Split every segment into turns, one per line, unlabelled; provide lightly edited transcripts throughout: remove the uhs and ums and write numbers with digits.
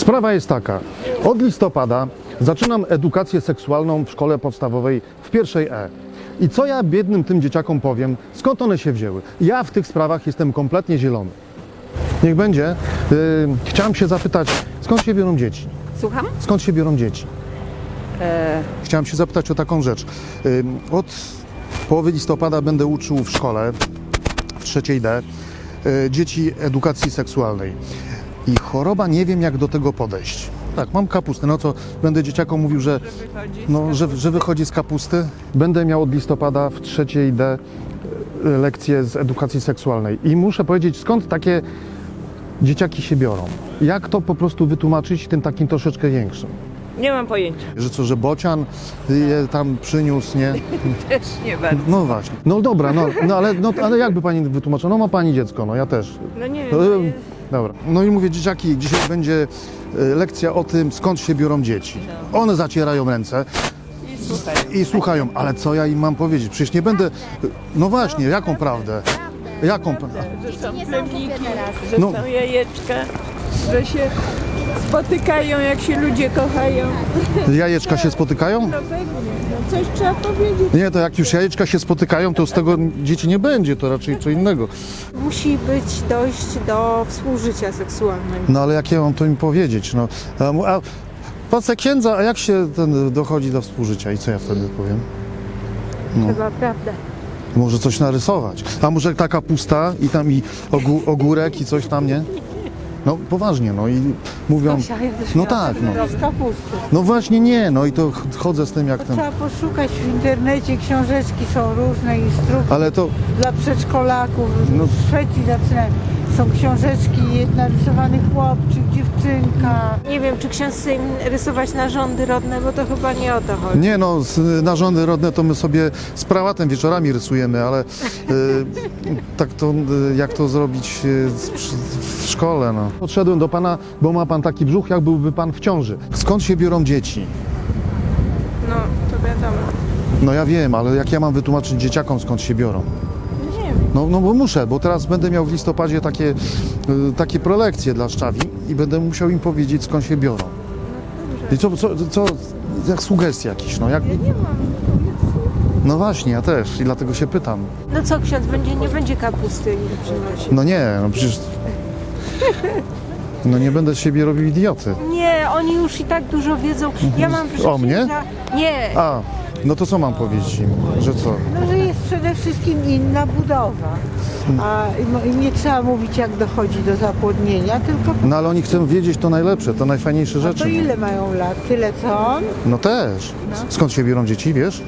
Sprawa jest taka. Od listopada zaczynam edukację seksualną w szkole podstawowej w pierwszej E. I co ja biednym tym dzieciakom powiem, skąd one się wzięły? Ja w tych sprawach jestem kompletnie zielony. Niech będzie. Chciałem się zapytać, skąd się biorą dzieci?
Słucham?
Skąd się biorą dzieci? Chciałem się zapytać o taką rzecz. Od połowy listopada będę uczył w szkole, w trzeciej D, dzieci edukacji seksualnej. I choroba, nie wiem jak do tego podejść. Tak, mam kapustę, no to będę dzieciakom mówił, że wychodzi z kapusty. Będę miał od listopada w trzeciej D lekcje z edukacji seksualnej. I muszę powiedzieć, skąd takie dzieciaki się biorą. Jak to po prostu wytłumaczyć tym takim troszeczkę większym?
Nie mam pojęcia.
Że co, że bocian je tam przyniósł, nie?
Też nie bardzo.
No właśnie. No dobra, ale jakby pani wytłumaczyła? No ma pani dziecko, no ja też.
No nie wiem.
Dobra. No i mówię, dzieciaki, dzisiaj będzie lekcja o tym, skąd się biorą dzieci. One zacierają ręce i słuchają. Ale co ja im mam powiedzieć? Przecież nie będę... No właśnie, jaką prawdę? Jaką prawdę?
Że są plemniki, że są jajeczka, że się spotykają, jak się ludzie kochają.
Jajeczka się spotykają?
No pewnie, no coś trzeba powiedzieć.
Nie, to jak już jajeczka się spotykają, to z tego dzieci nie będzie, to raczej co innego.
Musi dojść do współżycia seksualnego.
No ale jak ja mam to im powiedzieć? No, a patrzę księdza, a jak się dochodzi do współżycia i co ja wtedy powiem?
Chyba prawda.
Może coś narysować. A może taka pusta i tam i ogórek i coś tam, nie? No poważnie, no i mówią... No tak, no.
Z kapusty.
No właśnie nie, no i to chodzę z tym jak ten...
Trzeba poszukać w internecie, książeczki są różne, instrukcje
Ale to...
dla przedszkolaków.
No.
W Szwecji zaczynają. Są książeczki, narysowany chłopczyk, dziewczynka. Nie wiem, czy ksiądz chce im rysować narządy rodne, bo to chyba nie o to chodzi.
Nie no, narządy rodne to my sobie z prałatem wieczorami rysujemy, ale tak to, jak to zrobić w szkole, no. Podszedłem do pana, bo ma pan taki brzuch, jak byłby pan w ciąży. Skąd się biorą dzieci?
No, to wiadomo.
No ja wiem, ale jak ja mam wytłumaczyć dzieciakom, skąd się biorą?
Nie wiem.
No bo muszę, bo teraz będę miał w listopadzie takie prelekcje dla szczawi i będę musiał im powiedzieć, skąd się biorą. I co jak sugestie jakieś, no jak...
Nie mam.
No właśnie, ja też i dlatego się pytam.
No co, ksiądz nie będzie kapusty przynosił?
No nie, no przecież... No nie będę z siebie robił idioty.
Nie, oni już i tak dużo wiedzą. Ja mam
O mnie?
Nie,
A, no to co mam powiedzieć im? Że co?
no, że jest przede wszystkim inna budowa. I nie trzeba mówić, jak dochodzi do zapłodnienia, tylko
No ale oni chcą wiedzieć to najlepsze, to najfajniejsze
to
rzeczy.
ile mają lat? Tyle co on?
No też. Skąd się biorą dzieci, wiesz?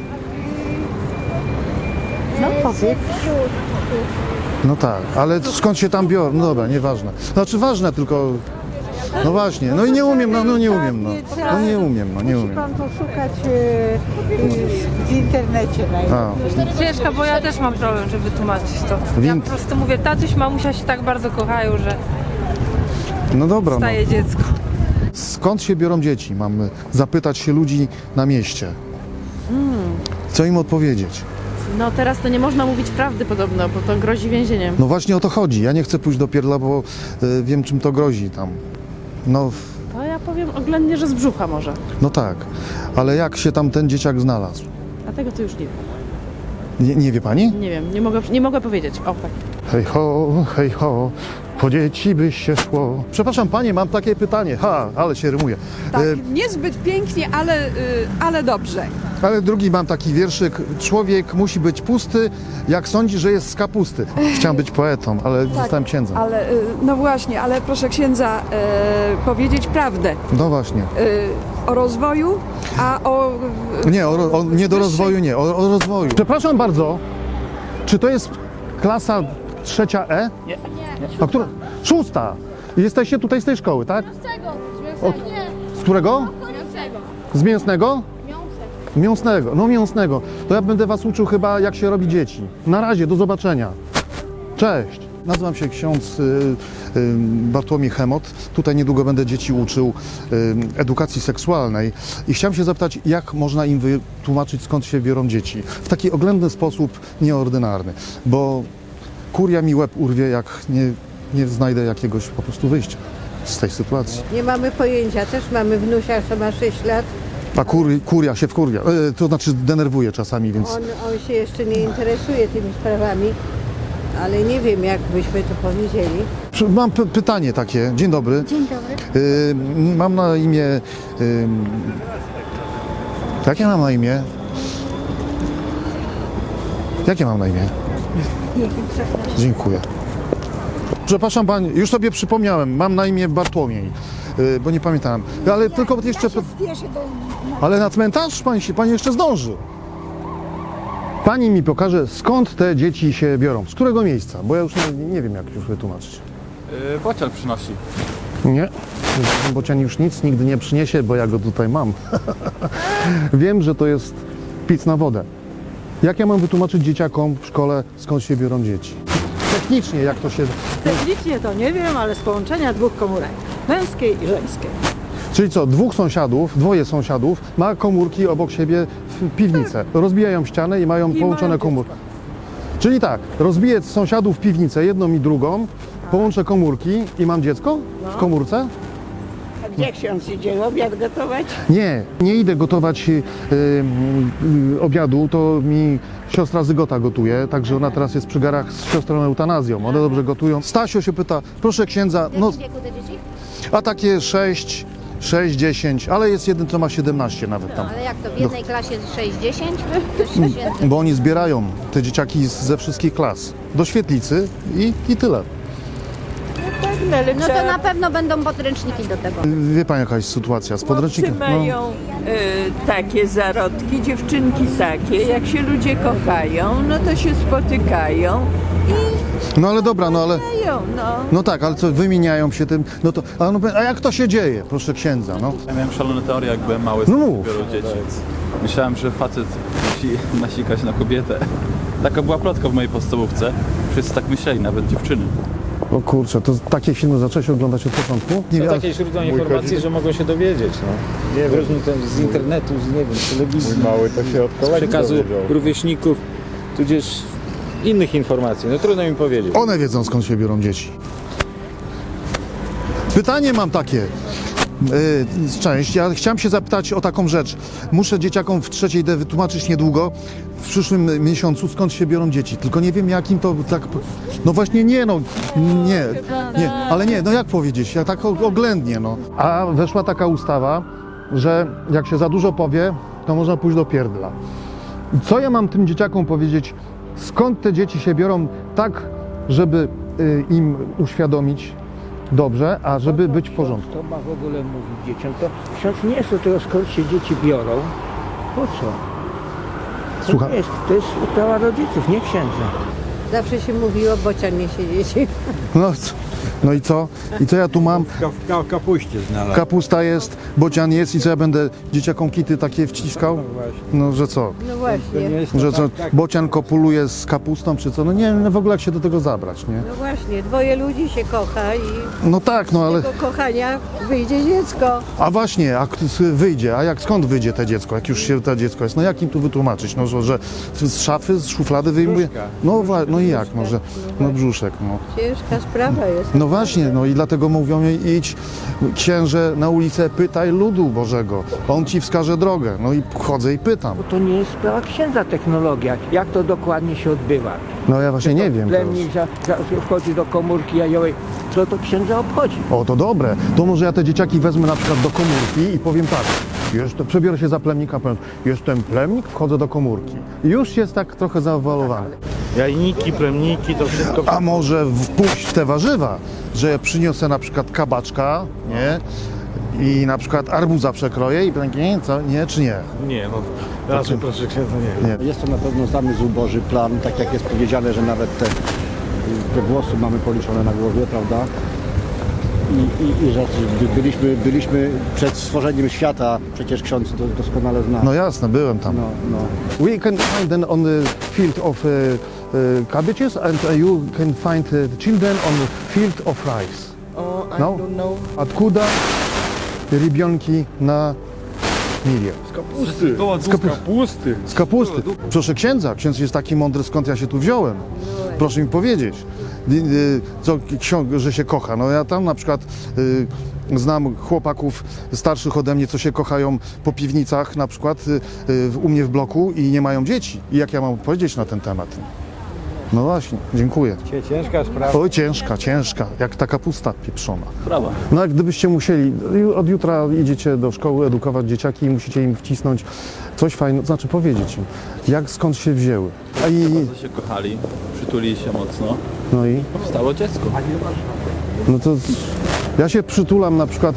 No powiedz.
No tak, ale skąd się tam biorą? No dobra, nieważne. Znaczy ważne, tylko... No właśnie, no i nie umiem, no nie umiem, no. No nie umiem, no nie
Musi
umiem.
pan poszukać w internecie najlepiej.
Ciężko, bo ja też mam problem, żeby tłumaczyć to. Ja
Win-
po prostu mówię, tatuś, mamusia się tak bardzo kochają, że
No dobra, no.
staje dziecko.
Skąd się biorą dzieci? Mam zapytać się ludzi na mieście. Co im odpowiedzieć?
No teraz to nie można mówić prawdy podobno, bo to grozi więzieniem.
No właśnie o to chodzi. Ja nie chcę pójść do pierdla, bo wiem czym to grozi tam. No,
To ja powiem oględnie, że z brzucha może.
no tak, ale jak się tam ten dzieciak znalazł?
A tego to już nie wiem.
Nie wie pani?
Nie wiem, nie mogę powiedzieć. O tak.
Hej ho, po dzieci by się szło. Przepraszam panie, mam takie pytanie. Ale się rymuje.
Tak, niezbyt pięknie, ale dobrze.
Ale drugi mam taki wierszyk. Człowiek musi być pusty, jak sądzi, że jest z kapusty. Chciałem być poetą, ale zostałem księdzem.
Ale, no właśnie, ale proszę księdza powiedzieć prawdę
No właśnie.
o rozwoju, a o...
Nie, nie do rozwoju, nie, o rozwoju. Przepraszam bardzo, czy to jest klasa trzecia E? Nie. A która? Szósta. Jesteście tutaj z tej szkoły, tak? Z którego? Z mięsnego? Mięsnego. No mięsnego. To ja będę was uczył chyba, jak się robi dzieci. Na razie, do zobaczenia. Cześć. Nazywam się ksiądz Bartłomiej Chemot. Tutaj niedługo będę dzieci uczył edukacji seksualnej i chciałem się zapytać, jak można im wytłumaczyć, skąd się biorą dzieci. W taki oględny sposób, nieordynarny, bo kuria mi łeb urwie, jak nie znajdę jakiegoś po prostu wyjścia. z tej sytuacji.
Nie mamy pojęcia, też mamy wnusia, co ma 6 lat.
A kuria się wkurwia, to znaczy denerwuje czasami, więc...
On się jeszcze nie interesuje tymi sprawami, ale nie wiem, jak byśmy to powiedzieli.
Mam pytanie takie. Dzień dobry.
Dzień dobry.
Mam na imię... Jakie mam na imię? Jakie mam na imię? Dziękuję. Przepraszam pani, już sobie przypomniałem, mam na imię Bartłomiej, bo nie pamiętałem. Ale tylko jeszcze... Ale na cmentarz pani jeszcze zdąży. Pani mi pokaże, skąd te dzieci się biorą, z którego miejsca, bo ja już nie wiem, jak już wytłumaczyć.
Bocian przynosi.
Nie, bocian już nic nigdy nie przyniesie, bo ja go tutaj mam. Wiem, że to jest pic na wodę. Jak ja mam wytłumaczyć dzieciakom w szkole, skąd się biorą dzieci? Technicznie, jak to się...
Technicznie to nie wiem, ale z połączenia dwóch komórek, męskiej i żeńskiej.
Czyli co, dwoje sąsiadów ma komórki obok siebie w piwnicę. Rozbijają ścianę i mają połączone komórki. Czyli tak, rozbiję sąsiadów piwnicę, jedną i drugą, połączę komórki i mam dziecko w komórce?
A gdzie ksiądz idzie obiad gotować?
Nie idę gotować obiadu, to mi siostra Zygota gotuje, także ona teraz jest przy garach z siostrą eutanazją, one dobrze gotują. Stasio się pyta, proszę księdza,
W jakim wieku te dzieci?
a takie 6, 10, ale jest jeden, co ma 17 nawet tam.
Ale jak to, w jednej klasie 6-10? To się święty.
Bo oni zbierają te dzieciaki ze wszystkich klas do świetlicy i tyle.
Tak, no, ale
No to na pewno będą podręczniki do tego.
Wie pani jaka jest sytuacja z
chłopcy
podręcznikiem?
mają takie zarodki, dziewczynki takie. Jak się ludzie kochają, no to się spotykają
No ale dobra, no ale...
mają, no.
No tak, ale co, wymieniają się tym, no to... A jak to się dzieje, proszę księdza, no?
Ja miałem szalone teorie, jak byłem mały,
No
z
mów.
biorą dzieci. Myślałem, że facet musi nasikać na kobietę. Taka była plotka w mojej podstawówce. Wszyscy tak myśleli, nawet dziewczyny.
O kurczę, to takie filmy zacząłeś oglądać od początku? Nie
To
wiem,
takie źródła informacji, że mogą się dowiedzieć, no. Nie różni z internetu, z, nie wiem, z telewizji,
Mały to się od
z
kolegi
przekazu
dowiedział.
rówieśników, tudzież innych informacji. No trudno mi powiedzieć.
One wiedzą, skąd się biorą dzieci. Pytanie mam takie. Cześć, ja chciałem się zapytać o taką rzecz. Muszę dzieciakom w trzeciej D wytłumaczyć niedługo, w przyszłym miesiącu, skąd się biorą dzieci. Tylko nie wiem, jakim to tak... No właśnie nie, ale nie, no jak powiedzieć, ja tak oględnie, no. A weszła taka ustawa, że jak się za dużo powie, to można pójść do pierdla. Co ja mam tym dzieciakom powiedzieć, skąd te dzieci się biorą tak, żeby im uświadomić dobrze, a żeby być w porządku?
Kto ma w ogóle mówić dzieciom? To ksiądz nie jest do tego, skąd się dzieci biorą. Po co?
Słucham?
To jest sprawa rodziców, nie księdza.
Zawsze się mówiło, bocian nie się dzieci.
No i co? I co ja tu mam?
W kapuście znalazł.
Kapusta jest, bocian jest i co ja będę dzieciakom kity takie wciskał? No, że co?
No właśnie.
Że co, bocian kopuluje z kapustą czy co? No nie wiem w ogóle jak się do tego zabrać, nie?
No właśnie, dwoje ludzi się kocha i
No tak, no ale...
z tego kochania wyjdzie dziecko.
A właśnie, a wyjdzie, a skąd wyjdzie to dziecko, jak już się to dziecko jest? No jak im tu wytłumaczyć? No, że z szafy, z szuflady wyjmuje? No i jak? No, że, no brzuszek, no.
Ciężka sprawa jest.
No właśnie, no i dlatego mówią jej idź księże na ulicę, pytaj ludu Bożego, on ci wskaże drogę. No i chodzę i pytam.
Bo to nie jest sprawa księdza technologia. Jak to dokładnie się odbywa?
No ja właśnie nie wiem.
Plemnik wchodzi do komórki jajowej. Co to księdza obchodzi?
O, to dobre. To może ja te dzieciaki wezmę na przykład do komórki i powiem tak. Przebiorę się za plemnika, powiem, jestem plemnik, wchodzę do komórki. I już jest tak trochę zaawalowany.
Jajniki, plemniki, to wszystko.
A może wpuść w te warzywa, że ja przyniosę na przykład kabaczka, nie? I na przykład arbuza przekroję i będzie, co? Nie, czy nie?
Nie, no raczej proszę księdza nie.
Jest to na pewno zamysł Boży, plan, tak jak jest powiedziane, że nawet te włosy mamy policzone na głowie, prawda? I że byliśmy przed stworzeniem świata, przecież ksiądz doskonale zna.
No jasne, byłem tam.
No.
We can find them on the field of cabbages and you can find the children on the field of rice.
O, I
No?
don't know.
Откуда ребенки на Milię.
Z kapusty.
Z kapusty. Proszę księdza, ksiądz jest taki mądry, skąd ja się tu wziąłem. Proszę mi powiedzieć, co że się kocha. No ja tam na przykład znam chłopaków starszych ode mnie, co się kochają po piwnicach na przykład u mnie w bloku i nie mają dzieci. I jak ja mam powiedzieć na ten temat? No właśnie, dziękuję.
Ciężka sprawa.
Oj, ciężka, jak ta kapusta pieprzona.
Brawa.
No jak gdybyście musieli, od jutra idziecie do szkoły edukować dzieciaki i musicie im wcisnąć coś fajnego, znaczy powiedzieć im, skąd się wzięły.
Bardzo się kochali, przytulili się mocno.
No i?
Powstało dziecko.
No to ja się przytulam na przykład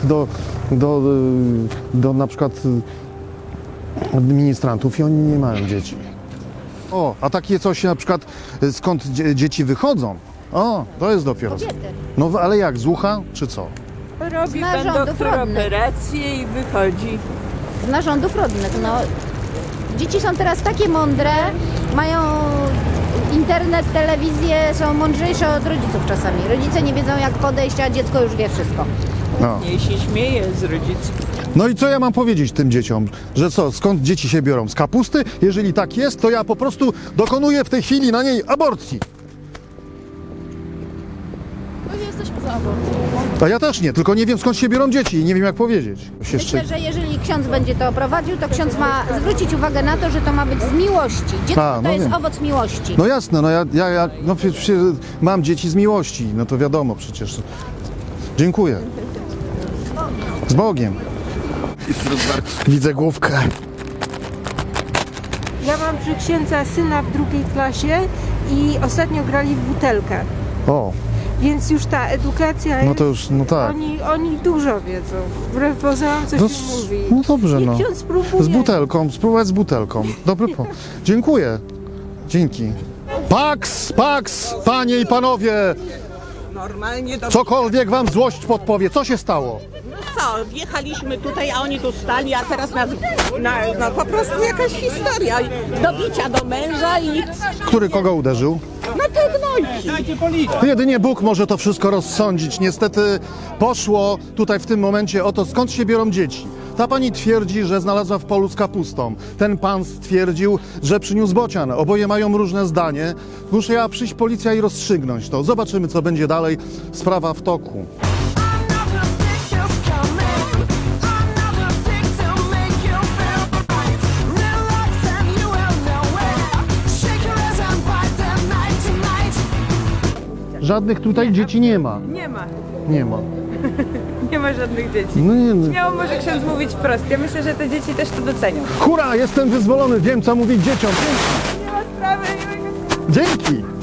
do na przykład ministrantów i oni nie mają dzieci. O, a takie coś na przykład skąd dzieci wychodzą? O, to jest dopiero.
Kobiety.
No ale jak, z ucha czy co?
Robi
Z
pan
narządów
doktor
rodnych.
operację i wychodzi.
Z narządów rodnych. No, dzieci są teraz takie mądre, mają internet, telewizję, są mądrzejsze od rodziców czasami. Rodzice nie wiedzą jak podejść, a dziecko już wie wszystko.
No.
Nie się śmieje z rodziców.
No i co ja mam powiedzieć tym dzieciom? Że co, skąd dzieci się biorą? Z kapusty? Jeżeli tak jest, to ja po prostu dokonuję w tej chwili na niej aborcji.
My nie jesteśmy za aborcją.
A ja też nie, tylko nie wiem skąd się biorą dzieci i nie wiem jak powiedzieć.
Myślę, że jeżeli ksiądz będzie to prowadził, to ksiądz ma zwrócić uwagę na to, że to ma być z miłości. Dziecko
A, no
to jest
wiem.
owoc miłości.
No jasne, no ja no przecież mam dzieci z miłości, no to wiadomo przecież. Dziękuję. Z Bogiem. Widzę główkę.
Ja mam przy księdza syna w drugiej klasie i ostatnio grali w butelkę.
O,
Więc już ta edukacja jest...
no to już, no tak.
Oni dużo wiedzą. Wbrew pozorom coś
No,
mi mówi.
no dobrze,
Niech
no.
ksiądz spróbuje.
Z butelką, spróbować z butelką. Dobry pomysł. Dziękuję. Dzięki. Pax, panie i panowie!
Normalnie do...
Cokolwiek wam złość podpowie. Co się stało?
Co, wjechaliśmy tutaj, a oni tu stali, a teraz nas... No po prostu jakaś historia. Do bicia do męża i...
Który kogo uderzył?
No te gnojki.
Jedynie Bóg może to wszystko rozsądzić. Niestety poszło tutaj w tym momencie o to, skąd się biorą dzieci. Ta pani twierdzi, że znalazła w polu z kapustą. Ten pan stwierdził, że przyniósł bocian. Oboje mają różne zdanie. Musiała przyjść policja i rozstrzygnąć to. Zobaczymy, co będzie dalej. Sprawa w toku. Żadnych tutaj dzieci nie ma.
Nie ma.
Nie ma.
Nie ma żadnych dzieci.
No nie, no.
Śmiało może ksiądz mówić wprost. Ja myślę, że te dzieci też to docenią.
Hurra, jestem wyzwolony, wiem co mówić dzieciom.
Nie ma sprawy.
Dzięki.